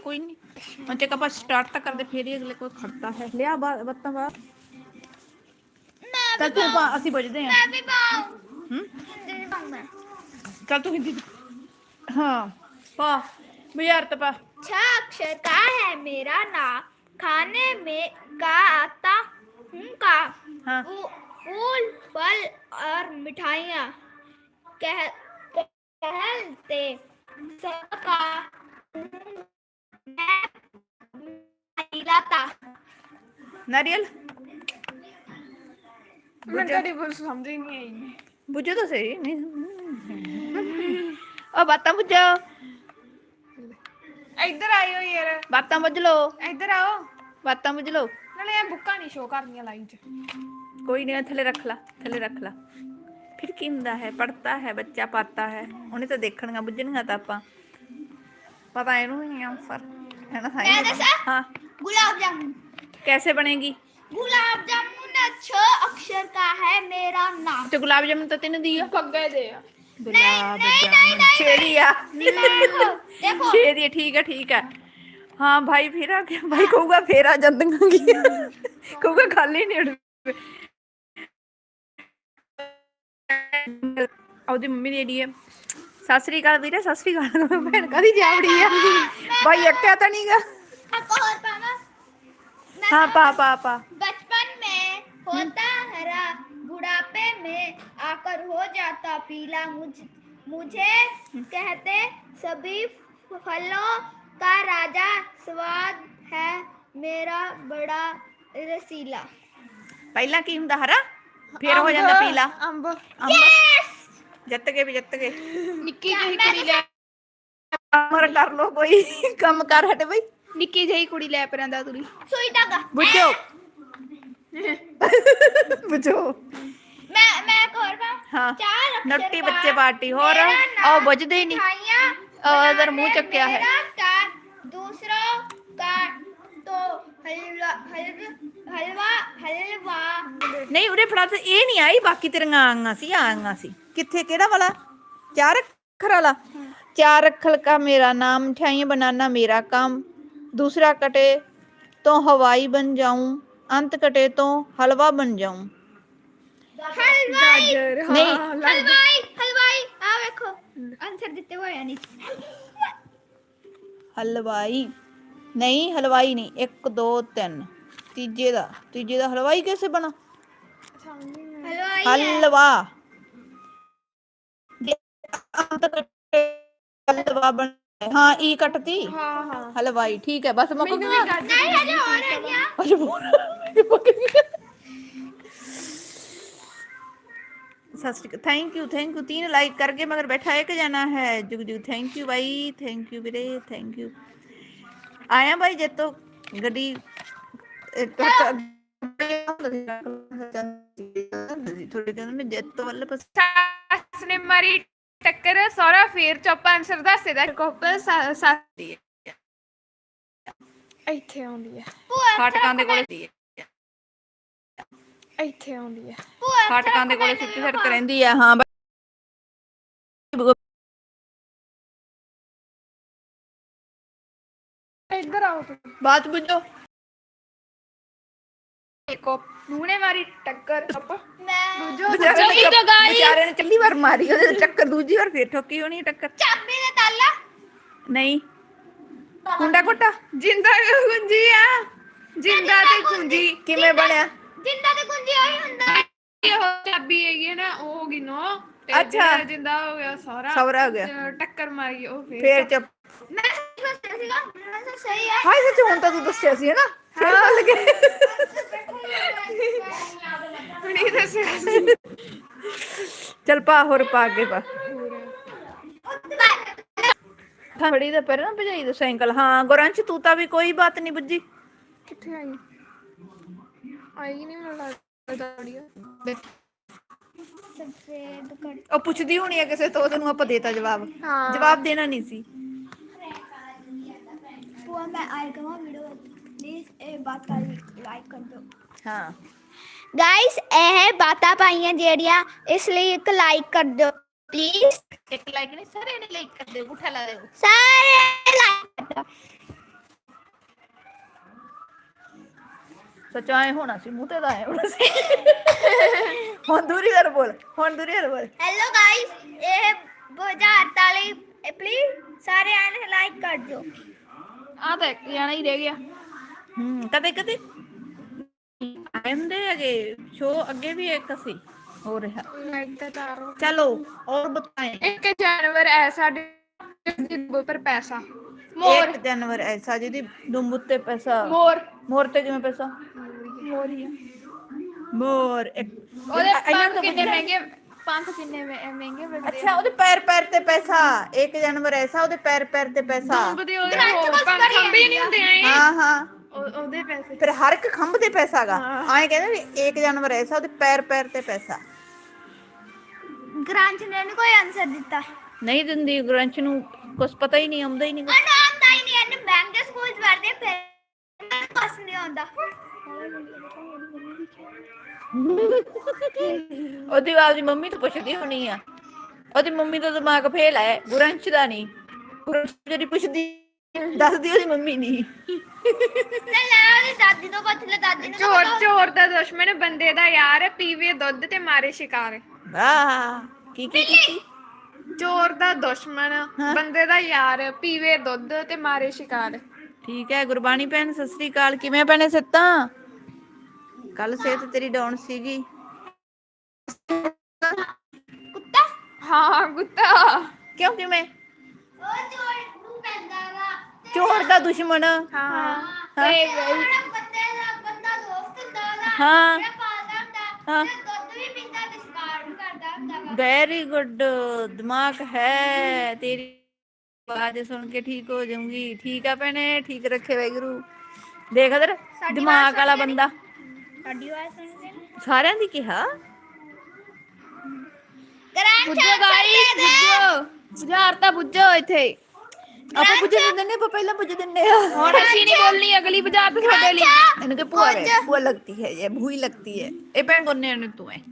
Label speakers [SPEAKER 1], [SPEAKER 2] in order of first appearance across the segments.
[SPEAKER 1] कोई नहीं मैं चेक आप स्टार्ट तक कर दे फिर ही अगले कोई खड़ता है लिया बत्ता बाहर चल तू ਅਸੀਂ ਬਜਦੇ ਆ
[SPEAKER 2] मैं भी पाऊं
[SPEAKER 1] चल तू हिंदी हाँ पा बाजार तो पा
[SPEAKER 2] छह अक्षर का है मेरा नाम खाने में का आता हूँ का
[SPEAKER 1] हाँ
[SPEAKER 2] फूल फल और मिठाइयाँ कहते सबका लाता
[SPEAKER 1] नारियल
[SPEAKER 3] तेरी बोल समझ ही नहीं आई
[SPEAKER 1] बुझो तो सही नहीं ओ बातां बुझो
[SPEAKER 3] इधर आयो यार
[SPEAKER 1] बातां बुझ लो
[SPEAKER 3] इधर आओ
[SPEAKER 1] बातां बुझ लो
[SPEAKER 3] नाले ये बुक्का नहीं शो करनी लाइन च
[SPEAKER 1] कोई नहीं थले रख ला फिर की हुंदा है पढ़ता है बच्चा पाता है उन्हें तो देखणगा बुझणगा तो आपां पता इहनूं ही आंसर है ना
[SPEAKER 2] मैं दसा?
[SPEAKER 1] हाँ
[SPEAKER 2] गुलाब जामुन
[SPEAKER 1] कैसे बनेगी
[SPEAKER 2] गुलाब जामुन 6 अक्षर का है मेरा नाम
[SPEAKER 1] तो गुलाब जामुन तो तेने दिया
[SPEAKER 3] पग्गे दे
[SPEAKER 1] गुलाब जामुन छेड़िया
[SPEAKER 2] देखो
[SPEAKER 1] छेड़िया ठीक है हाँ भाई फिर आ गया भाई कहूगा फिर आ जांदियां कहूगा खाली नहीं उड़ ਉਹਦੀ ਮੰਮੀ ਦੀ ਏਡੀ ਹੈ ਸਤਿ ਸ੍ਰੀ ਅਕਾਲ ਵੀਰੇ ਸਤਿ ਸ੍ਰੀ ਅਕਾਲ ਭੈਣ ਕਾਦੀ ਜਾਵੜੀ ਆ ਭਾਈ ਅੱਕਿਆ ਤਾਂ ਨਹੀਂਗਾ
[SPEAKER 2] आपको और पाना
[SPEAKER 1] हाँ पा
[SPEAKER 2] बचपन में होता हरा बुढ़ापे में आकर हो जाता पीला मुझे कहते सभी फलों का राजा स्वाद है मेरा बड़ा रसीला
[SPEAKER 1] ਪਹਿਲਾਂ ਕੀ ਹੁੰਦਾ ਹਰਾ ਫਿਰ ਹੋ ਜਾਂਦਾ ਪੀਲਾ
[SPEAKER 3] अंब
[SPEAKER 1] ਜਿੱਤ ਗਏ
[SPEAKER 3] निक्की जही कुड़ी ले
[SPEAKER 1] ਅਮਰ ਕਰ ਲੋ ਕੋਈ ਕੰਮ ਕਰ ਹਟੇ ਬਈ
[SPEAKER 3] निक्की जही कुड़ी ले परंदा तुरी
[SPEAKER 2] सुई धागा
[SPEAKER 1] बुझो बुझो
[SPEAKER 2] मैं एक और पाऊं
[SPEAKER 1] हाँ
[SPEAKER 2] 4 अक्षर
[SPEAKER 1] नट्टी
[SPEAKER 2] का
[SPEAKER 1] बच्चे पार्टी हो
[SPEAKER 2] मेरा
[SPEAKER 1] रहा
[SPEAKER 2] नाम
[SPEAKER 1] और बजदे ही नहीं
[SPEAKER 2] मिठाइयाँ
[SPEAKER 1] इधर मुंह
[SPEAKER 2] बनाने
[SPEAKER 1] चक्या है
[SPEAKER 2] मेरा स्टार दूसरों का तो हलवा
[SPEAKER 1] नहीं उरे फड़ा ते ये नहीं आई बाकी तेरियां आईਆਂ ਸੀ किथे केड़ा वाला 4 अक्षर वाला 4 अक्षर का मेरा नाम मिठाइयाँ बनाना मेरा काम दूसरा कटे तो हवाई बन जाऊं अंत कटे तो हलवा बन जाऊं
[SPEAKER 2] हलवाई
[SPEAKER 1] नहीं
[SPEAKER 2] हलवाई आ देखो आंसर देते हुए यानी
[SPEAKER 1] हलवाई नहीं 1 2 3 तीजे दा हलवाई कैसे बना
[SPEAKER 2] हलवाई
[SPEAKER 1] हलवा अंत कटे हलवा बन हाँ ई कटती
[SPEAKER 3] हां
[SPEAKER 1] हलवाई ठीक है बस मुक गया
[SPEAKER 2] नहीं है जो और है क्या
[SPEAKER 1] थैंक यू 3 लाइक करके मगर बैठा एक जाना है जुग थैंक यू भाई थैंक यू वीरे थैंक यू आया भाई जे तो गड्डी थोड़ी कहंदे जे तो वाले पास
[SPEAKER 3] सास ने मारी टक्कर सारा फिर चुप आंसर दसे दा कोपल साथी ਇੱਥੇ ਆਉਂਦੀ ਹੈ
[SPEAKER 1] ਫਾਟਕਾਂ ਦੇ ਕੋਲੇ ਸੀ
[SPEAKER 3] ਇੱਥੇ ਆਉਂਦੀ ਹੈ
[SPEAKER 1] ਫਾਟਕਾਂ ਦੇ ਕੋਲੇ ਸਿੱਧੀ ਸੜਕ ਰਹਿੰਦੀ ਆ ਹਾਂ
[SPEAKER 3] ਇੱਧਰ ਆਓ ਤੁਸੀਂ
[SPEAKER 1] ਬਾਤ ਬੁੱਝੋ
[SPEAKER 3] ਦੇਖੋ ਨੂਨੇ ਮਾਰੀ ਟੱਕਰ
[SPEAKER 2] मैं
[SPEAKER 1] ਵਿਚਾਰੇ ਨੇ ਚੱਲੀ ਵਾਰ ਮਾਰੀ ਉਹਦੇ ਟੱਕਰ ਦੂਜੀ ਵਾਰ ਫੇਰ ਠੋਕੀ ਹੋਣੀ ਟੱਕਰ
[SPEAKER 2] चाबी ने ताला
[SPEAKER 1] ਨਹੀਂ ਕੁੰਡਾ ਕੋਟਾ
[SPEAKER 3] ਜਿੰਦਾ ਗੁੰਜੀ ਆ ਜਿੰਦਾ ਤੇ ਗੁੰਜੀ
[SPEAKER 1] ਕਿਵੇਂ ਬਣਿਆ
[SPEAKER 2] जिंदा ते कुंजी आई हुंदा
[SPEAKER 3] ਇਹ ਚਾਬੀ ਹੈਗੀ ਨਾ ਉਹ ਹੋ ਗਈ ਨੋ
[SPEAKER 1] ਅੱਛਾ।
[SPEAKER 3] ਜਿੰਦਾ ਹੋ ਗਿਆ ਸਾਰਾ
[SPEAKER 1] ਸੌਰਾ ਹੋ ਗਿਆ
[SPEAKER 3] ਟੱਕਰ ਮਾਰੀ ਉਹ
[SPEAKER 1] ਫੇਰ ਚੁੱਪ
[SPEAKER 2] मैं सही सीगा मैं सही है
[SPEAKER 1] ਹਾਏ ਸੱਚ ਹੁਣ ਤਾਂ ਤੂੰ ਦੱਸਿਆ ਸੀ ਨਾ ਫੇਰ ਭੁੱਲ ਗਏ
[SPEAKER 3] ਨਹੀਂ ਦੱਸਿਆ ਸੀ
[SPEAKER 1] ਚੱਲ ਪਾ ਹੋਰ ਪਾ ਅੱਗੇ ਪਾ ਫੜੀ ਦਾ ਪਰ ਨਾ ਭਜਾਈ ਦਾ ਸਾਈਕਲ ਹਾਂ ਗੁਰਾਂਚ ਤੂੰ ਤਾਂ ਵੀ ਕੋਈ ਬਾਤ ਨਹੀਂ ਬੁੱਝੀ
[SPEAKER 3] ਕਿੱਥੇ ਆਈ ਆਈ ਨਹੀਂ ਮੈਨੂੰ ਲੱਗਦਾ
[SPEAKER 2] सफेद कर
[SPEAKER 1] ਉਹ ਪੁੱਛਦੀ ਹੋਣੀ ਆ ਕਿਸੇ ਤੋਂ ਤੈਨੂੰ ਆਪਾਂ ਦੇਤਾ ਜਵਾਬ
[SPEAKER 3] ਹਾਂ।
[SPEAKER 1] ਜਵਾਬ ਦੇਣਾ ਨਹੀਂ ਸੀ
[SPEAKER 2] वो मैं आएगा वहां वीडियो प्लीज ए बात का लाइक कर दो
[SPEAKER 1] ਹਾਂ
[SPEAKER 2] गाइस ਇਹ ਬਾਤਾਂ ਪਾਈਆਂ ਜਿਹੜੀਆਂ ਇਸ ਲਈ ਇੱਕ ਲਾਈਕ ਕਰ ਦਿਓ ਪਲੀਜ਼
[SPEAKER 1] ਇੱਕ ਲਾਈਕ ਨਹੀਂ ਸਾਰੇ ਨੇ ਲਾਈਕ ਕਰ ਦਿਓ ਉਠਾ ਲਾ ਦਿਓ
[SPEAKER 2] ਸਾਰੇ ਲਾਈਕ ਕਰ ਦਿਓ
[SPEAKER 1] ਸੱਚ ਆਏ ਹੋਣਾ ਸੀ, ਮੂੰਹ ਤੇ ਤਾਂ ਆਏ ਹੋਣਾ ਸੀ। ਹੁਣ ਦੂਰੀ ਕਰ ਬੋਲ, ਹੁਣ ਦੂਰੀ ਕਰ ਬੋਲ।
[SPEAKER 2] हेलो गाइस, ये बुझारत वाली प्लीज सारे आने लाइक कर दो।
[SPEAKER 3] ਆ ਤਾਂ ਇੱਕ ਜਾਣਾ ਹੀ ਰਹਿ ਗਿਆ।
[SPEAKER 1] ਕਦੇ ਕਦੇ ਆਂਦੇ ਹੈਗੇ ਸ਼ੋ ਅੱਗੇ ਵੀ ਇੱਕ ਸੀ ਹੋ ਰਿਹਾ। चलो और बताएं।
[SPEAKER 3] 1 ਜਾਨਵਰ ਐਸਾ ਜਿਸ ਪਰ ਪੈਸਾ। ਮੋਰ।
[SPEAKER 1] 1 ਜਾਨਵਰ ਐਸਾ ਜਿਹਦੀ ਦੁੰਬ ਉੱਤੇ ਪੈਸਾ।
[SPEAKER 3] ਮੋਰ।
[SPEAKER 1] ਮੋਰ ਤੇ ਕਿਵੇਂ ਪੈਸਾ?
[SPEAKER 3] ਮੋਰ ਹੀ ਆ।
[SPEAKER 1] ਮੋਰ ਇੱਕ
[SPEAKER 3] ਉਹਦੇ
[SPEAKER 1] ਇਹਨਾਂ
[SPEAKER 3] ਪੰਖ
[SPEAKER 1] ਤੋਂ
[SPEAKER 3] ਕਿੰਨੇ
[SPEAKER 1] ਪੁੱਛਿਆ।
[SPEAKER 3] ਮਹਿੰਗੇ, ਪੰਖ ਕਿੰਨੇ ਮਹਿੰਗੇ ਮਿਲਦੇ
[SPEAKER 1] ਅੱਛਾ ਉਹਦੇ ਪੈਰ ਪੈਰ ਤੇ ਪੈਸਾ। 1 ਜਾਨਵਰ ਐਸਾ ਉਹਦੇ ਪੈਰ ਪੈਰ ਤੇ ਪੈਸਾ।
[SPEAKER 3] ਦੁੰਬ ਦੇ ਉਹਦੇ
[SPEAKER 2] ਗਰਾਂਚ
[SPEAKER 3] ਉਹ
[SPEAKER 2] ਕੁਛ
[SPEAKER 3] ਪੰਖ
[SPEAKER 2] ਕਰੀ
[SPEAKER 3] ਖੰਭੇ
[SPEAKER 2] ਜਾਂਦੀ
[SPEAKER 3] ਨਹੀਂ
[SPEAKER 2] ਆ।
[SPEAKER 3] ਹੁੰਦੇ ਐ
[SPEAKER 1] ਹਾਂ ਹਾਂ
[SPEAKER 3] ਉਹਦੇ ਪੈਸੇ।
[SPEAKER 1] ਫਿਰ ਹਰ ਇੱਕ ਖੰਭ ਤੇ ਪੈਸਾ ਗਾ।
[SPEAKER 3] ਹਾਂ।
[SPEAKER 1] ਐਂ ਕਹਿੰਦੇ ਵੀ 1 ਜਾਨਵਰ ਐਸਾ ਉਹਦੇ ਪੈਰ ਪੈਰ ਤੇ ਪੈਸਾ।
[SPEAKER 2] ग्रांच ने नहीं कोई आंसर दिता।
[SPEAKER 1] ਨਹੀਂ ਦਿੰਦੀ ਗ੍ਰੰਚ ਨੂੰ ਕੁਛ ਪਤਾ ਹੀ ਨਹੀਂ, ਆਉਂਦਾ ਹੀ ਨਹੀਂ ਕੁਛ।
[SPEAKER 2] ਉਹਨੂੰ ਆਉਂਦਾ ਹੀ ਨਹੀਂ, ਇਹਨੇ ਬੈਂਕ ਦੇ ਸਕੂਲ ਚ ਪੜ੍ਹਦੇ ਫਿਰ ਕੁਛ ਨਹੀਂ ਆਉਂਦਾ।
[SPEAKER 1] ਉਹਦੀ ਆਪਦੀ ਮੰਮੀ ਤੋਂ ਪੁੱਛਦੀ ਹੋਣੀ ਆ। ਉਹਦੀ ਮੰਮੀ ਦਾ ਦਿਮਾਗ ਫੇਲ ਹੈ, ਗੁਰੰਸ਼ ਦਾ ਨਹੀਂ। ਗੁਰੰਸ਼ ਜਿਹੜੀ ਪੁੱਛਦੀ ਦੱਸਦੀ ਉਹਦੀ ਮੰਮੀ ਨਹੀਂ।
[SPEAKER 2] ਤੇ ਲੈ ਉਹਦੀ ਦਾਦੀ ਤੋਂ ਪੁੱਛ ਲੈ, ਦਾਦੀ ਨੂੰ ਤਾਂ
[SPEAKER 3] ਚੋਰ
[SPEAKER 2] ਪਤਾ।
[SPEAKER 3] ਚੋਰ ਦਾ ਦੁਸ਼ਮਣ ਬੰਦੇ ਦਾ ਯਾਰ, ਪੀਵੇ ਦੁੱਧ ਤੇ ਮਾਰੇ ਸ਼ਿਕਾਰ।
[SPEAKER 1] ਵਾਹ ਕੀ ਕੀਤੀ?
[SPEAKER 3] ਚੋਰ ਦਾ ਦੁਸ਼ਮਣ
[SPEAKER 1] ਹਾਂ।
[SPEAKER 3] ਬੰਦੇ ਦਾ ਯਾਰ, ਪੀਵੇ ਦੁੱਧ ਤੇ ਮਾਰੇ ਸ਼ਿਕਾਰ।
[SPEAKER 1] ਠੀਕ ਹੈ ਗੁਰਬਾਣੀ ਭੈਣ, ਸਤਿ ਸ੍ਰੀ ਅਕਾਲ। ਕਿਵੇਂ ਭੈਣੇ ਸਿੱਤਾਂ? ਕੱਲ ਸਿਹਤ ਤੇਰੀ ਡਾਊਨ ਸੀਗੀ।
[SPEAKER 2] ਕੁੱਤਾ
[SPEAKER 3] ਹਾਂ ਕੁੱਤਾ।
[SPEAKER 1] ਕਿਉਂ ਕਿਵੇਂ?
[SPEAKER 2] ਉਹ ਚੋਰ ਨੂੰ ਪੈਂਦਾਗਾ।
[SPEAKER 1] ਚੋਰ ਦਾ ਦੁਸ਼ਮਣ।
[SPEAKER 3] ਹਾਂ
[SPEAKER 1] ਹਾਂ।
[SPEAKER 2] ਤੇ ਜਿਹੜਾ ਕੁੱਤੇ ਦਾ ਬੰਦਾ ਦੋਸਤ ਹੁੰਦਾ ਉਹਦਾ,
[SPEAKER 1] ਹਾਂ
[SPEAKER 2] ਜਿਹੜਾ ਪਾਲਦਾ ਹੁੰਦਾ
[SPEAKER 1] ਹਾਂ
[SPEAKER 2] ਤੇ ਦੁੱਧ ਵੀ ਪੀਂਦਾ ਤੇ ਸ਼ਿਕਾਰ ਵੀ ਕਰਦਾ ਹੁੰਦਾਗਾ।
[SPEAKER 1] ਵੈਰੀ ਗੁੱਡ, ਦਿਮਾਗ ਹੈ ਤੇਰੀ। ਆਵਾਜ਼ ਸੁਣ ਕੇ ਠੀਕ ਹੋ ਜਾਊਂਗੀ। ਠੀਕ ਆ ਭੈਣੇ, ਠੀਕ ਰੱਖੇ ਵਾਹਿਗੁਰੂ। ਦੇਖ ਇਧਰ
[SPEAKER 2] ਸਾਡੀ
[SPEAKER 1] ਦਿਮਾਗ
[SPEAKER 2] ਆਵਾਜ਼
[SPEAKER 1] ਵਾਲਾ
[SPEAKER 2] ਸੁਣਦੇ
[SPEAKER 1] ਬੰਦਾ।
[SPEAKER 2] ਸਾਡੀ ਆਵਾਜ਼ ਸੁਣਦੇ ਨੇ।
[SPEAKER 1] ਸਾਰਿਆਂ ਦੀ ਕਿਹਾ।
[SPEAKER 2] ਗ੍ਰਾਂਚ
[SPEAKER 3] ਬੁੱਝੋ ਗਾਈਸ, ਬੁੱਝੋ ਬੁਝਾਰਤਾ ਬੁੱਝੋ ਇੱਥੇ।
[SPEAKER 1] ਆਪਾਂ ਪੁੱਛ ਦਿੰਦੇ ਨੇ, ਆਪਾਂ ਪਹਿਲਾਂ ਪੁੱਛ ਦਿੰਦੇ ਆ।
[SPEAKER 3] ਹੁਣ ਅਸੀਂ ਨਹੀਂ ਬੋਲਣੀ, ਅਗਲੀ ਬੁਝਾਰਤ ਤੁਹਾਡੇ ਲਈ।
[SPEAKER 1] ਇਹਨੂੰ ਕਿ ਭੂਆ ਵੇ, ਭੂਆ लगती है ये भूई लगती है। ਇਹ ਭੈਣ ਕੋਨੇ ਨੇ ਤੂੰ ਹੈ।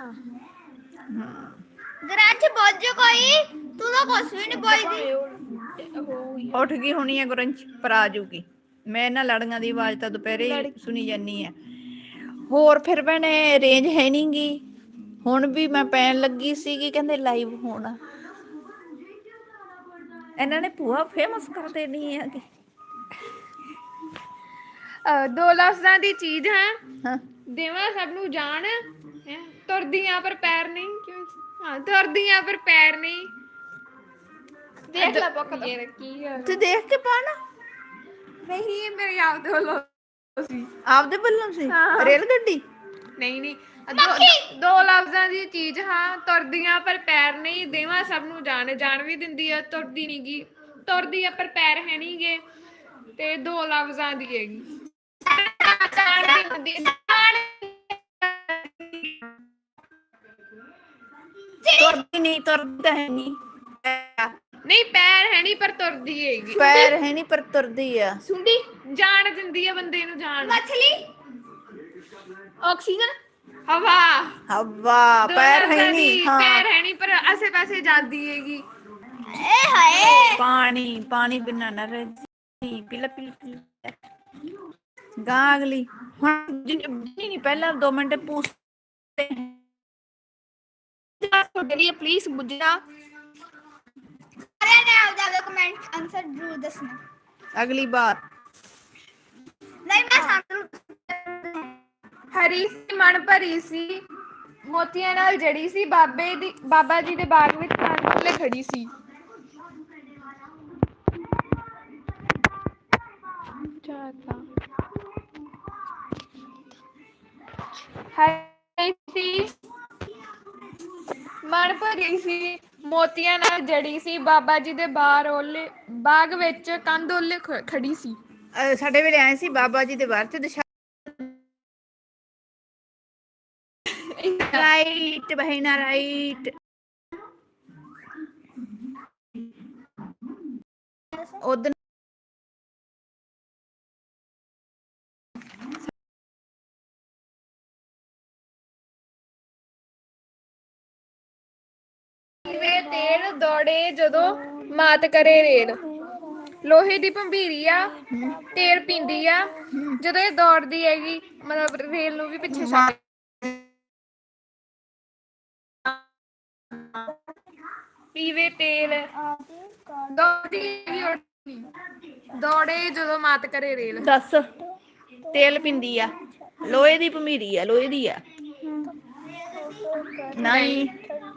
[SPEAKER 2] ਗ੍ਰਾਂਚ ਬੋਝ ਕੋਈ, ਤੂੰ ਤਾਂ ਕੁਛ ਵੀ ਨਹੀਂ ਬੋਲਦੀ।
[SPEAKER 1] ਉੱਠ ਗਈ ਹੋਣੀ ਹੈ ਗੁਰੰਚ, ਪਰ ਆ ਜਾਊਗੀ। ਮੈਂ ਇਹਨਾਂ ਲੜੀਆਂ ਦੀ ਆਵਾਜ਼ ਤਾਂ ਦੁਪਹਿਰੇ ਹੀ ਸੁਣੀ ਜਾਨੀ ਹੈ। ਹੋਰ ਫਿਰ ਭੈਣੇ ਰੇਂਜ ਹੈ ਨੀ ਗੀ। ਹੁਣ ਵੀ ਮੈਂ ਪੈਣ ਲੱਗੀ ਸੀਗੀ, ਕਹਿੰਦੇ ਲਾਈਵ ਹੋਣਾ। ਇਹਨਾਂ ਨੇ ਭੂਆ ਫੇਮਸ ਕਰ ਦੇਣੀ ਹੈ ਕਿ
[SPEAKER 3] 2 ਲਫ਼ਜ਼ਾਂ ਦੀ ਚੀਜ਼ ਹੈ,
[SPEAKER 1] ਹਾਂ।
[SPEAKER 3] ਦੇਵਾਂ ਸਭ ਨੂੰ ਜਾਣ। ਹੈਂ? ਤੁਰਦੀਆਂ ਪਰ ਪੈਰ ਨਹੀਂ। ਕਿਉਂ? ਹਾਂ ਤੁਰਦੀਆਂ ਪਰ ਪੈਰ ਨਹੀਂ। ਦੇਖ ਲੈ ਬੁੱਕ ਇਹ ਕੀ ਹੈ।
[SPEAKER 1] ਤੇ ਦੇਖ ਕੇ ਪਾਣਾ
[SPEAKER 3] ਨਹੀਂ ਮੇਰੇ ਯਾਦ ਵੱਲੋਂ ਸੀ।
[SPEAKER 1] ਆਪਦੇ ਵੱਲੋਂ ਸੀ।
[SPEAKER 3] ਹਾਂ।
[SPEAKER 1] ਰੇਲ ਗੱਡੀ।
[SPEAKER 3] ਨਹੀਂ ਨਹੀਂ, ਦੋ ਲਫ਼ਜ਼ਾਂ ਦੀ ਚੀਜ਼ ਹਾਂ, ਤੁਰਦੀਆਂ ਪਰ ਪੈਰ ਨਹੀਂ, ਦੇਵਾਂ ਸਭ ਨੂੰ ਜਾਣ। ਜਾਣ ਵੀ ਦਿੰਦੀ ਹੈ, ਤੁਰਦੀ ਨਹੀਂ ਗੀ। ਤੁਰਦੀ ਆ ਪਰ ਪੈਰ ਹੈ ਨਹੀਂ ਗੇ, ਤੇ 2 ਲਫ਼ਜ਼ਾਂ ਦੀ ਹੈਗੀ।
[SPEAKER 1] ਤੁਰਦੀ ਨਹੀਂ, ਤੁਰਦੀ ਤਾਂ ਹੈ ਨਹੀਂ।
[SPEAKER 3] ਨਹੀਂ ਪੈਰ ਹੈ ਨਹੀਂ ਪਰ ਤੁਰਦੀ ਹੈਗੀ।
[SPEAKER 1] ਪੈਰ ਹੈ ਨਹੀਂ ਪਰ ਤੁਰਦੀ ਆ।
[SPEAKER 3] ਸੁੰਡੀ ਜਾਣ ਦਿੰਦੀ ਆ ਬੰਦੇ ਨੂੰ ਜਾਣ।
[SPEAKER 2] ਮਛਲੀ
[SPEAKER 3] ਆਕਸੀਜਨ। ਹਵਾ।
[SPEAKER 1] ਹਵਾ। ਪੈਰ ਹੈ ਨਹੀਂ। ਹਾਂ
[SPEAKER 3] ਪੈਰ ਹੈ ਨਹੀਂ ਪਰ ਆਸੇ ਪਾਸੇ ਜਾਂਦੀ ਹੈਗੀ।
[SPEAKER 2] ਏ ਹਾਏ।
[SPEAKER 1] ਪਾਣੀ। ਪਾਣੀ ਬਿਨਾਂ ਨਾ ਰਹੀ। ਪੀਲਾ ਪੀਲਾ ਗਾਂ ਅਗਲੀ। ਹੁਣ ਨਹੀਂ, ਪਹਿਲਾਂ 2 ਮਿੰਟ ਪੁੱਛਦੇ
[SPEAKER 3] ਤੁਹਾਡੇ ਲਈ ਪਲੀਜ਼ ਬੁੱਝਣਾ।
[SPEAKER 2] ਸਾਰਿਆਂ ਨੇ ਆਪਦਾ ਕਮੈਂਟ ਆਨਸਰ ਜ਼ਰੂਰ ਦੱਸਣਾ।
[SPEAKER 1] ਅਗਲੀ ਬਾਰ।
[SPEAKER 2] ਨਹੀਂ ਮੈਂ ਸਾਨੂੰ
[SPEAKER 3] ਹਰੀ ਸੀ ਮਨ ਭਰੀ ਸੀ, ਮੋਤੀਆਂ ਨਾਲ ਜੜੀ ਸੀ, ਬਾਬਾ ਜੀ ਦੇ ਬਾਗ ਵਿੱਚ ਕੰਨ ਖੜੀ ਸੀ। ਹਰੀ ਸੀ ਮਨ ਭਰੀ ਸੀ, ਮੋਤੀਆਂ ਨਾਲ ਜੜੀ ਸੀ, ਬਾਬਾ ਜੀ ਦੇ ਬਾਗ ਵਿੱਚ ਕੰਧ ਓਲੇ ਖੜੀ ਸੀ।
[SPEAKER 1] ਸਾਡੇ ਵੇਲੇ ਆਏ ਸੀ ਬਾਬਾ ਜੀ ਦੇ ਬਾਹਰ ਚ ਰਾਈਟ ਬਹਿਨਾ ਰਾਈਟ। ਉਧਰ
[SPEAKER 3] ਵੇ ਤੇਲ ਦੌੜੇ ਜਦੋਂ ਮਾਤ ਕਰੇ ਰੇਲ। ਲੋਹੇ ਦੀ ਭੰਬੀਰੀ ਆ, ਤੇਲ ਪੀਂਦੀ ਆ, ਜਦੋਂ ਇਹ ਦੌੜਦੀ ਹੈਗੀ ਮਤਲਬ ਰੇਲ ਨੂੰ ਵੀ ਪਿੱਛੇ ਛੱਡ ਪੀਵੇ ਤੇਲ, ਦੌੜਦੀ ਹੈਗੀ ਉੱਠਦੀ। ਦੌੜੇ ਜਦੋਂ ਮਾਤ ਕਰੇ ਰੇਲ।
[SPEAKER 1] ਦੱਸ ਤੇਲ ਪਿੰਦੀ ਆ, ਲੋਹੇ ਦੀ ਭਮੀਰੀ ਆ, ਲੋਹੇ ਦੀ ਆ। ਨਹੀਂ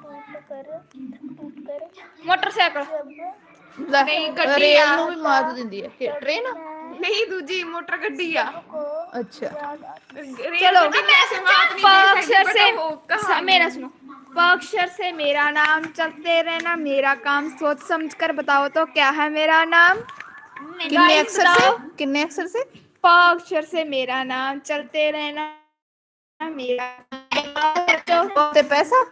[SPEAKER 3] ਮੋਟਰਸਾਈਕਲ
[SPEAKER 1] ਲੈ,
[SPEAKER 3] ਨਹੀਂ, ਗੱਡੀ
[SPEAKER 1] ਰੇਲ
[SPEAKER 3] ਆ।
[SPEAKER 1] ਨੂੰ ਵੀ ਮਾਤ ਦਿੰਦੀ ਆ ਕਿ ਟ੍ਰੇਨ?
[SPEAKER 3] ਨਹੀਂ, ਦੂਜੀ ਮੋਟਰ ਗੱਡੀ ਆ।
[SPEAKER 1] ਅੱਛਾ
[SPEAKER 3] चलो पक्षर से
[SPEAKER 2] मेरा सुनो। पक्षर से मेरा नाम, चलते रहना मेरा काम, सोच समझ कर बताओ तो क्या है मेरा नाम।
[SPEAKER 1] कितने अक्षर से? कितने अक्षर से?
[SPEAKER 2] पक्षर से मेरा नाम, चलते रहना मेरा काम।
[SPEAKER 1] ते पैसा?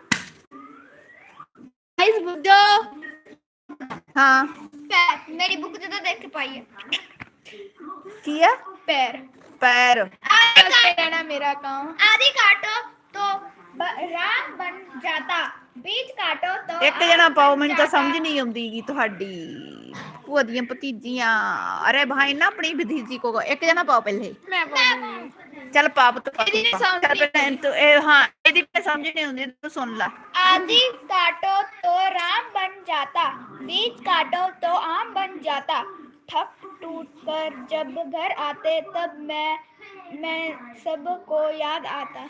[SPEAKER 2] गाइस बुझो।
[SPEAKER 1] हाँ
[SPEAKER 2] पैर मेरी बुक तो देख के पाई है।
[SPEAKER 1] किया
[SPEAKER 2] पैर
[SPEAKER 1] पैर।
[SPEAKER 2] चलते रहना मेरा काम। आधी काटो तो राम बन जाता, बीच काटो तो
[SPEAKER 1] ਇੱਕ ਜਣਾ ਪਾਓ, ਮੈਨੂੰ ਤਾਂ ਸਮਝ ਨਹੀਂ ਆਉਂਦੀਗੀ ਤੁਹਾਡੀ ਭੂਆ ਦੀਆਂ ਭਤੀਜੀਆਂ। ਅਰੇ ਭਾਈ ਨਾ ਆਪਣੀ ਭਤੀਜੀ ਕੋ ਇੱਕ ਜਣਾ ਪਾਓ ਪਹਿਲੇ।
[SPEAKER 3] मैं बोलूंगी।
[SPEAKER 1] ਚੱਲ ਪਾਪ ਤੂੰ
[SPEAKER 2] ਇਹਦੀ ਨੀ ਸਮਝ
[SPEAKER 1] ਚੱਲ ਪਹਿਲਾਂ ਤੂੰ ਇਹ ਹਾਂ ਇਹਦੀ ਤਾਂ ਸਮਝ ਨਹੀਂ ਆਉਂਦੀ, ਤੂੰ ਸੁਣ ਲੈ।
[SPEAKER 2] आधी काटो तो राम बन जाता, बीच काटो तो आम बन जाता, थक टूट कर जब घर आते तब मैं सबको याद आता।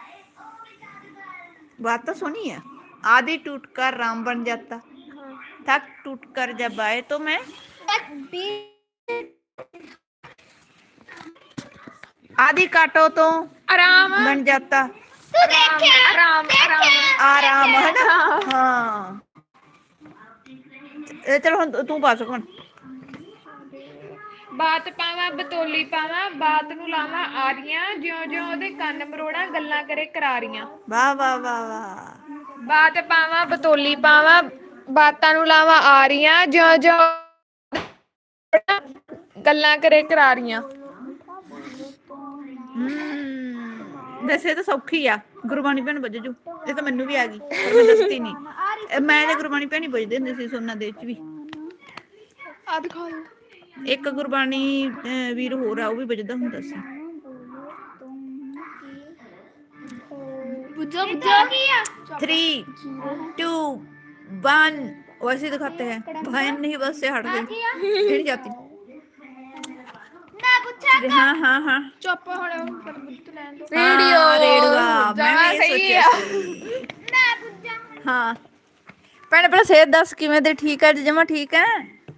[SPEAKER 1] बात तो सुनी है। आधी टूट कर राम बन जाता, थक टूट कर जब आए तो मैं आधी काटो तो
[SPEAKER 3] आराम
[SPEAKER 1] बन जाता।
[SPEAKER 2] तू देखे
[SPEAKER 3] आराम आराम
[SPEAKER 1] आराम है ना? हाँ चलो हुण तू पा सकण।
[SPEAKER 3] ਬਾਤ ਪਾਵਾਂ ਬਤੋਲੀ ਪਾਵਾਂ, ਬਾਤ ਨੂੰ ਲਾਵਾਂ ਆਰੀਆਂ, ਜਿਉਂ ਜਿਉਂ ਉਹਦੇ ਕੰਨ ਮਰੋੜਾਂ ਗੱਲਾਂ ਕਰੇ ਕਰਾਰੀਆਂ।
[SPEAKER 1] वाह वाह वाह वाह।
[SPEAKER 3] ਬਾਤ ਪਾਵਾਂ ਬਤੋਲੀ ਪਾਵਾਂ, ਬਾਤਾਂ ਨੂੰ ਲਾਵਾਂ ਆਰੀਆਂ, ਜਿਉਂ ਜਿਉਂ ਗੱਲਾਂ ਕਰੇ ਕਰਾਰੀਆਂ।
[SPEAKER 1] ਵੈਸੇ ਤਾਂ ਸੌਖੀ ਆ, ਗੁਰਬਾਣੀ ਭੈਣ ਵੱਜ ਜੂ। ਇਹ ਤਾਂ ਮੈਨੂੰ ਵੀ ਆ ਗਈ, ਪਰ ਮੈਂ ਦੱਸਦੀ ਨਹੀਂ। ਮੈਂ ਤੇ ਗੁਰਬਾਣੀ ਭੈਣ ਹੀ ਵੱਜਦੇ ਹੁੰਦੇ ਸੀ ਸੋਨਾ ਦੇ ਵਿੱਚ ਵੀ।
[SPEAKER 3] ਆ ਦਿਖਾ ਦੋ।
[SPEAKER 1] ਇੱਕ ਗੁਰਬਾਣੀ ਵੀਰ ਹੋਰ ਆ, ਉਹ ਵੀ ਵੱਜਦਾ ਹੁੰਦਾ ਸੀ।
[SPEAKER 2] बुझो बुझो
[SPEAKER 1] 3 2 1 वैसे दिखाते हैं। बहन नहीं बस से हट गई, नहीं जाती।
[SPEAKER 2] ना पूछा
[SPEAKER 1] हाँ हाँ हाँ
[SPEAKER 3] ਚੁੱਪ ਹੁਣ ਪਰ ਬੁੱਤ ਲੈਣ ਦੋ।
[SPEAKER 1] हाँ, रेडियो
[SPEAKER 3] ਜਮਾਂ ਸਹੀ ਆ।
[SPEAKER 2] ना पूछा।
[SPEAKER 1] हाँ ਭੈਣੇ ਪਹਿਲਾਂ ਸਿਹਤ ਦੱਸ ਕਿਵੇਂ ਤੇ? ਠੀਕ ਹੈ ਜਮਾ ਠੀਕ ਹੈ?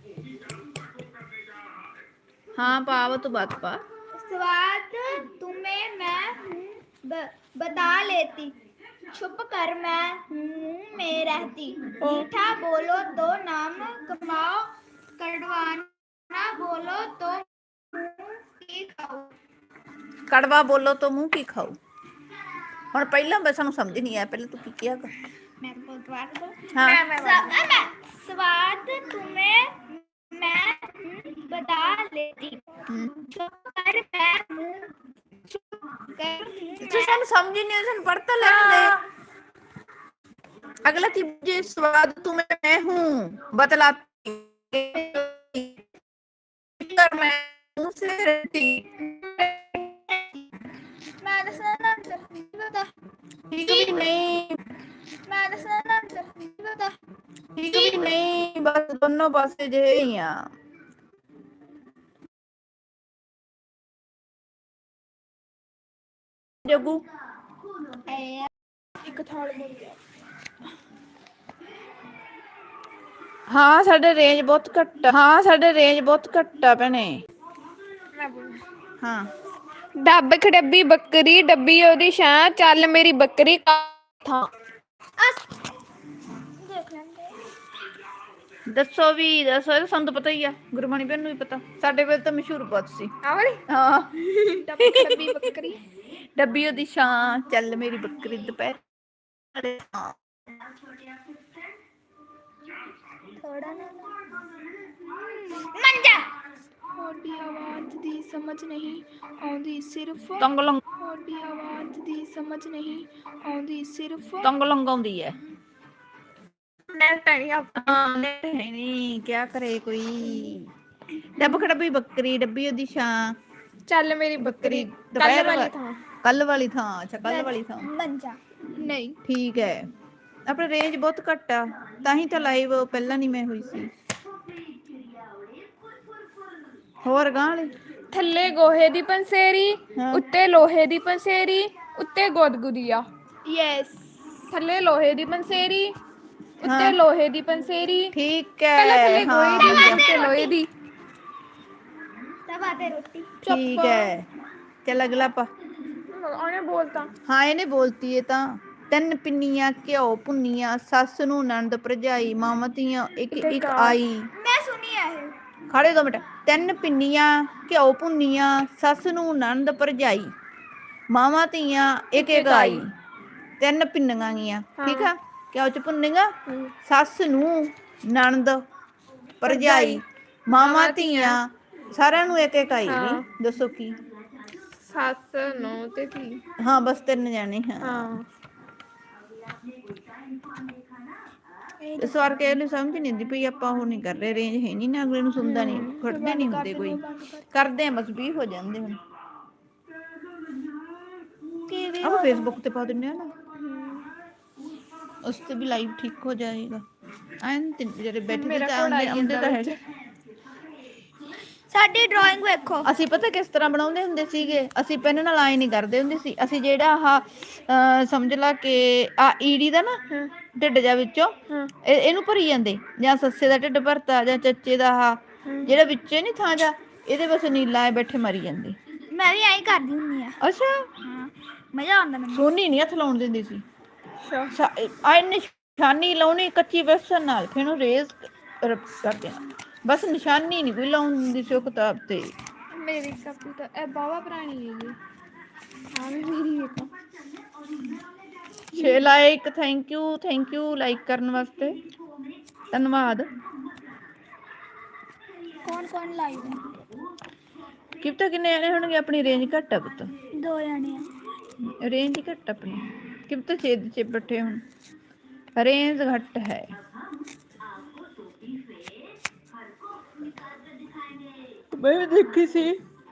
[SPEAKER 1] हाँ पाव तो बात पा।
[SPEAKER 2] स्वाद तुम्हें मैं बता लेती, छुप कर मैं मुंह में रहती, मीठा बोलो तो नाम कमाओ, कड़वाना बोलो तो मुंह की खाओ।
[SPEAKER 1] कड़वा बोलो तो मुंह की खाओ। ਹੁਣ ਪਹਿਲਾਂ ਮੈਂ ਸਾਨੂੰ ਸਮਝ ਨਹੀਂ ਆਇਆ, ਪਹਿਲਾਂ ਤੂੰ ਕੀ ਕਿਹਾ ਕਰ।
[SPEAKER 2] मैं
[SPEAKER 1] हाँ
[SPEAKER 2] स्वाद तुम्हें मैं बता लेती, छुप कर मैं मुंह
[SPEAKER 1] तो ਸਾਨੂੰ ਸਮਝ ਹੀ ਨਹੀਂ, ਸਾਨੂੰ पढ़ता लेने दे। अगला चीज स्वाद तुम्हें मैं हूँ बतलाती, कर मैं मुंह से रहती।
[SPEAKER 2] मैं दसना बता,
[SPEAKER 1] ठीक भी नहीं,
[SPEAKER 2] मैं दसना बता।
[SPEAKER 1] ठीक भी नहीं, बस दोनों पासे जे ही आ। जगू
[SPEAKER 2] एक थाल बोल गया।
[SPEAKER 1] हाँ साडे रेंज बहुत घट, हाँ साडे रेंज बहुत घट आ भैणे।
[SPEAKER 3] ਮੈਂ ਬੋਲੂ।
[SPEAKER 1] हाँ
[SPEAKER 3] ਡੱਬ ਖਡੱਬੀ ਬੱਕਰੀ, ਡੱਬੀ ਉਹਦੀ ਛਾਂ, ਚੱਲ ਮੇਰੀ ਬੱਕਰੀ ਥਾਂ।
[SPEAKER 2] देख लेंगे।
[SPEAKER 1] ਦੱਸੋ ਵੀ ਦੱਸੋ, ਇਹ ਤਾਂ ਸਾਨੂੰ ਤਾਂ ਪਤਾ ਹੀ ਆ, ਗੁਰਬਾਣੀ ਭੈਣ ਨੂੰ ਵੀ ਪਤਾ। ਸਾਡੇ ਵੇਲੇ ਤਾਂ ਮਸ਼ਹੂਰ ਬਹੁਤ ਸੀ।
[SPEAKER 3] ਆ ਵਾਲੀ
[SPEAKER 1] ਹਾਂ
[SPEAKER 3] ਡੱਬੀ ਖਡੱਬੀ ਬੱਕਰੀ।
[SPEAKER 1] ਡੱਬੀ ਉਹਦੀ ਛਾਂ, ਚੱਲ ਮੇਰੀ ਬੱਕਰੀ ਦੁਪਹਿਰ।
[SPEAKER 2] थोड़ा ना मंजा।
[SPEAKER 3] ਤੁਹਾਡੀ ਆਵਾਜ਼ ਦੀ ਸਮਝ ਨਹੀਂ ਆਉਂਦੀ ਸਿਰਫ,
[SPEAKER 1] ਤੰਗ ਲੰਗ
[SPEAKER 3] ਤੁਹਾਡੀ ਆਵਾਜ਼ ਦੀ ਸਮਝ ਨਹੀਂ ਆਉਂਦੀ ਸਿਰਫ।
[SPEAKER 1] ਤੰਗ ਲੰਗਾਉਂਦੀ ਹੈ।
[SPEAKER 3] ਨੈਟ ਨਹੀਂ ਆ।
[SPEAKER 1] ਹਾਂ ਨਹੀਂ, ਕੀ ਕਰੇ ਕੋਈ। ਡੱਬ ਖੜੱਬੀ ਬੱਕਰੀ, ਡੱਬੀ ਉਹਦੀ ਛਾਂ,
[SPEAKER 3] ਚੱਲ ਮੇਰੀ ਬੱਕਰੀ ਕੱਲ
[SPEAKER 1] ਦੁਪਹਿਰ
[SPEAKER 3] ਵਾਲੀ ਥਾਂ
[SPEAKER 1] ਕੱਲ ਵਾਲੀ ਥਾਂ, ਅੱਛਾ ਕੱਲ ਵਾਲੀ ਥਾਂ,
[SPEAKER 2] ਮੰਜਾ
[SPEAKER 3] ਨਹੀਂ
[SPEAKER 1] ਠੀਕ ਹੈ। ਆਪਣਾ ਰੇਂਜ ਬਹੁਤ ਘੱਟ ਆ, ਤਾਂ ਹੀ ਤਾਂ ਲਾਈਵ ਪਹਿਲਾਂ ਨਹੀਂ ਮੈਂ ਹੋਈ ਸੀ। ਹੋਰ ਗਾਂ ਵਾਲੀ
[SPEAKER 3] ਥੱਲੇ ਗੋਹੇ ਦੀ ਪੰਸੇਰੀ,
[SPEAKER 1] ਹਾਂ।
[SPEAKER 3] ਉੱਤੇ ਲੋਹੇ ਦੀ ਪੰਸੇਰੀ, ਉੱਤੇ ਗੁਦਗੁਦੀਆ।
[SPEAKER 2] ਯੈਸ
[SPEAKER 3] ਥੱਲੇ ਲੋਹੇ ਦੀ ਪੰਸੇਰੀ, ਉੱਤੇ
[SPEAKER 1] ਹਾਂ
[SPEAKER 3] ਲੋਹੇ ਦੀ ਪੰਸੇਰੀ।
[SPEAKER 1] ਠੀਕ
[SPEAKER 3] ਪਹਿਲਾਂ
[SPEAKER 1] ਹੈ,
[SPEAKER 3] ਥੱਲੇ ਗੋਹੇ
[SPEAKER 1] ਹਾਂ
[SPEAKER 3] ਦੀ,
[SPEAKER 1] ਵਧੀਆ,
[SPEAKER 3] ਉੱਤੇ ਲੋਹੇ ਦੀ।
[SPEAKER 2] ਤਬ ਆਤੇ ਰੋਟੀ
[SPEAKER 1] ਠੀਕ ਹੈ। ਚੱਲ ਅਗਲਾ ਪਾ।
[SPEAKER 3] ਉਹਨੇ ਬੋਲਤਾ
[SPEAKER 1] ਹਾਂ ਇਹਨੇ ਬੋਲਤੀ ਇਹ ਤਾਂ। ਤਿੰਨ ਪਿੰਨੀਆਂ ਘਿਓ ਭੁੰਨੀਆਂ, ਸੱਸ ਨੂੰ ਨਣਦ ਭਰਜਾਈ, ਮਾਵਾਂ ਧੀਆਂ ਇੱਕ ਇੱਕ ਆਈ।
[SPEAKER 2] ਮੈਂ ਸੁਣੀ ਹੈ ਇਹ
[SPEAKER 1] ਖੜੇ 2 ਮਿੰਟ। ਤਿੰਨ ਪਿੰਨੀਆਂ ਘਿਓ ਭੁੰਨੀਆਂ, ਸੱਸ ਨੂੰ ਨਣਦ ਭਰਜਾਈ, ਮਾਵਾਂ ਧੀਆਂ ਇੱਕ ਇੱਕ ਆਈ। 3 ਪਿੰਨੀਆਂ ਗੀਆਂ, ਠੀਕ ਆ। ਘਿਓ ਚ ਭੁੰਨੀਆਂ, ਸੱਸ ਨੂੰ ਨਣਦ ਭਰਜਾਈ, ਮਾਵਾਂ ਧੀਆਂ, ਸਾਰਿਆਂ ਨੂੰ ਇੱਕ ਇੱਕ ਆਈ ਨੀ। ਦੱਸੋ ਕੀ?
[SPEAKER 3] ਸੱਸ ਨੂੰ ਤੇ ਧੀ।
[SPEAKER 1] ਹਾਂ ਬਸ 3 ਜਾਣੇ। ਹਾਂ
[SPEAKER 3] ਹਾਂ
[SPEAKER 1] ਇਸ ਵਾਰ ਕੇ ਇਹਨੂੰ ਸਮਝ ਨਹੀਂ ਆਉਂਦੀ ਪਈ, ਆਪਾਂ ਉਹ ਨਹੀਂ ਕਰ ਰਹੇ, ਰੇਂਜ ਹੈ ਨਹੀਂ ਨਾ, ਅਗਲੇ ਨੂੰ ਸੁਣਦਾ ਨਹੀਂ, ਖੜਦੇ ਨਹੀਂ ਹੁੰਦੇ ਕੋਈ। ਕਰਦੇ ਆ ਬਸ 20 ਹੋ ਜਾਂਦੇ ਹੁਣ। ਆਪਾਂ ਫੇਸਬੁੱਕ ਤੇ ਪਾ ਦਿੰਦੇ ਆ ਨਾ, ਉਸ ਤੇ ਵੀ ਲਾਈਵ ਠੀਕ ਹੋ ਜਾਏਗਾ। ਐਨ ਜਿਹੜੇ ਬੈਠੇ ਤਾਂ ਆਉਂਦੇ ਤਾਂ ਹੈਗੇ।
[SPEAKER 2] ਸਾਡੀ ਡਰਾਇੰਗ ਵੇਖੋ।
[SPEAKER 1] ਅਸੀਂ ਪਤਾ ਕਿਸ ਤਰ੍ਹਾਂ ਬਣਾਉਂਦੇ ਹੁੰਦੇ ਸੀਗੇ, ਅਸੀਂ ਪੈਨ ਨਾਲ ਆਏ ਨਹੀਂ ਕਰਦੇ ਹੁੰਦੇ ਸੀ। ਅਸੀਂ ਜਿਹੜਾ ਆਹ ਸਮਝ ਲਾ ਕਿ ਆ ਈੜੀ ਦਾ ਨਾ ਢਿੱਡ ਜਾ ਵਿੱਚੋਂ ਇਹਨੂੰ ਭਰੀ ਜਾਂਦੇ, ਜਾਂ ਸੱਸੇ ਦਾ ਢਿੱਡ ਭਰਤਾ, ਜਾਂ ਚੱਚੇ ਦਾ ਆਹ ਜਿਹੜਾ ਵਿੱਚੇ ਨੀ ਥਾਂ ਜਾ, ਇਹਦੇ ਬਸ ਨੀਲਾ ਐ ਬੈਠੇ ਮਰੀ ਜਾਂਦੇ।
[SPEAKER 2] ਮੈਂ ਵੀ ਐਂ ਕਰਦੀ ਹੁੰਦੀ ਆ।
[SPEAKER 1] ਅੱਛਾ
[SPEAKER 2] ਹਾਂ ਮਜ਼ਾ ਆਉਂਦਾ ਮੈਨੂੰ।
[SPEAKER 1] ਸੋਨੀ ਨਹੀਂ ਹੱਥ ਲਾਉਣ ਦਿੰਦੀ ਸੀ। ਆ ਨਿਸ਼ਾਨੀ ਲਾਉਣੀ ਕੱਚੀ ਬੇਸਨ ਨਾਲ, ਫਿਰ ਉਹਨੂੰ ਰੇਜ਼ ਕਰ ਦੇਣਾ, ਬਸ ਨਿਸ਼ਾਨੀ ਨਹੀਂ ਕੋਈ ਲਾਉਣ ਦਿੰਦੀ ਸੀ ਉਹ ਕਿਤਾਬ ਤੇ।
[SPEAKER 3] ਮੇਰੀ ਕਾਪੀ ਤਾਂ ਇਹ ਬਾਵਾ ਪੁਰਾਣੀ ਹੈਗੀ। ਹਾਂ ਮੇਰੀ ਇੱਕ
[SPEAKER 1] 6 ਲਾਈਕ, ਥੈਂਕ ਯੂ ਲਾਈਕ ਕਰਨ ਵਾਸਤੇ, ਧੰਨਵਾਦ।
[SPEAKER 2] ਕੌਣ ਕੌਣ ਲਾਈਵ ਹੈ?
[SPEAKER 1] ਕੀ ਪਤਾ ਕਿੰਨੇ ਜਾਣੇ ਹੋਣਗੇ, ਆਪਣੀ ਰੇਂਜ ਘੱਟ ਆ ਪੁੱਤ,
[SPEAKER 2] 2 ਜਾਣੇ ਆ।
[SPEAKER 1] ਰੇਂਜ ਹੀ ਘੱਟ ਆਪਣੀ। ਕੀ ਪਤਾ ਛੇਦ ਚ ਬੈਠੇ ਹੁਣ, ਰੇਂਜ ਘੱਟ ਹੈ। ਮੈਂ ਵੀ ਦੇਖੀ ਸੀ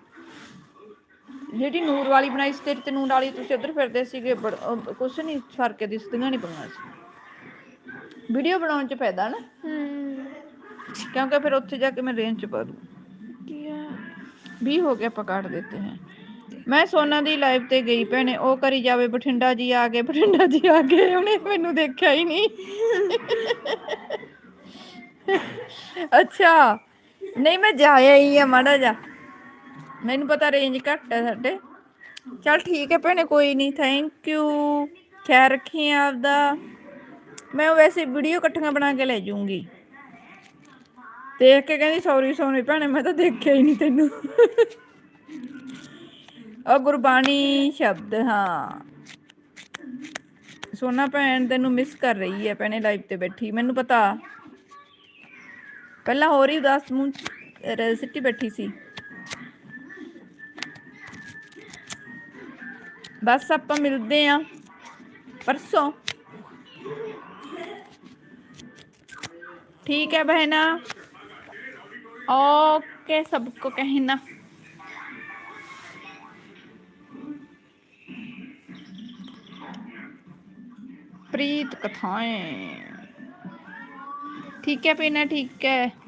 [SPEAKER 1] ਜਿਹੜੀ ਨੂਰ ਵਾਲੀ ਬਣਾਈ ਸੀ, ਤੇਰੀ ਤੇ ਨੂਰ ਵਾਲੀ ਤੁਸੀਂ ਉੱਧਰ ਫਿਰਦੇ ਸੀਗੇ, ਕੁਛ ਨਹੀਂ ਫਰਕ ਦਿਸਦੀਆਂ ਨਹੀਂ ਪਈਆਂ ਸੀ। ਵੀਡੀਓ ਬਣਾਉਣ ਚ ਫਾਇਦਾ ਨਾ, ਕਿਉਂਕਿ ਫਿਰ ਉੱਥੇ ਜਾ ਕੇ ਮੈਂ ਰੇਂਜ ਚ ਪਾ ਦੂੰ। 20 ਹੋ ਗਿਆ, ਆਪਾਂ ਕਾਟ ਦੇਤੇ हैं। ਮੈਂ ਸੋਨਾ ਦੀ ਲਾਈਵ ਤੇ ਗਈ ਭੈਣੇ, ਉਹ ਕਰੀ ਜਾਵੇ ਬਠਿੰਡਾ ਜੀ ਆ ਗਏ, ਬਠਿੰਡਾ ਜੀ ਆ ਗਏ, ਉਹਨੇ ਮੈਨੂੰ ਦੇਖਿਆ ਹੀ ਨਹੀਂ। ਅੱਛਾ ਨਹੀਂ ਮੈਂ ਜਾਇਆ ਹੀ ਆ ਮਾੜਾ ਜਾ, ਮੈਨੂੰ ਪਤਾ ਰੇਂਜ ਘੱਟ ਹੈ ਸਾਡੇ। ਚੱਲ ਠੀਕ ਹੈ ਭੈਣੇ, ਕੋਈ ਨਹੀਂ, ਥੈਂਕ ਯੂ, ਖਿਆਲ ਰੱਖੀ ਆਪਦਾ। ਮੈਂ ਵੈਸੇ ਵੀਡੀਓ ਇਕੱਠੀਆਂ ਬਣਾ ਕੇ ਲੈ ਜਾਊਂਗੀ। ਦੇਖ ਕੇ ਕਹਿੰਦੀ ਸੌਰੀ ਸੋਨੀ ਭੈਣੇ, ਮੈਂ ਤਾਂ ਦੇਖਿਆ ਹੀ ਨਹੀਂ ਤੈਨੂੰ। ਉਹ ਗੁਰਬਾਣੀ ਸ਼ਬਦ, ਹਾਂ ਸੋਨਾ ਭੈਣ ਤੈਨੂੰ ਮਿਸ ਕਰ ਰਹੀ ਹੈ ਭੈਣੇ, ਲਾਈਵ ਤੇ ਬੈਠੀ, ਮੈਨੂੰ ਪਤਾ। ਪਹਿਲਾਂ ਹੋਰ ਹੀ ਉਦਾਸ ਮੂੰਹ ਸਿੱਟੀ ਬੈਠੀ ਸੀ। ਬਸ ਆਪਾਂ ਮਿਲਦੇ ਆਂ परसों, ठीक है बहना, ओके सबको कहना। प्रीत कथाएं, ठीक है पीना, ठीक है।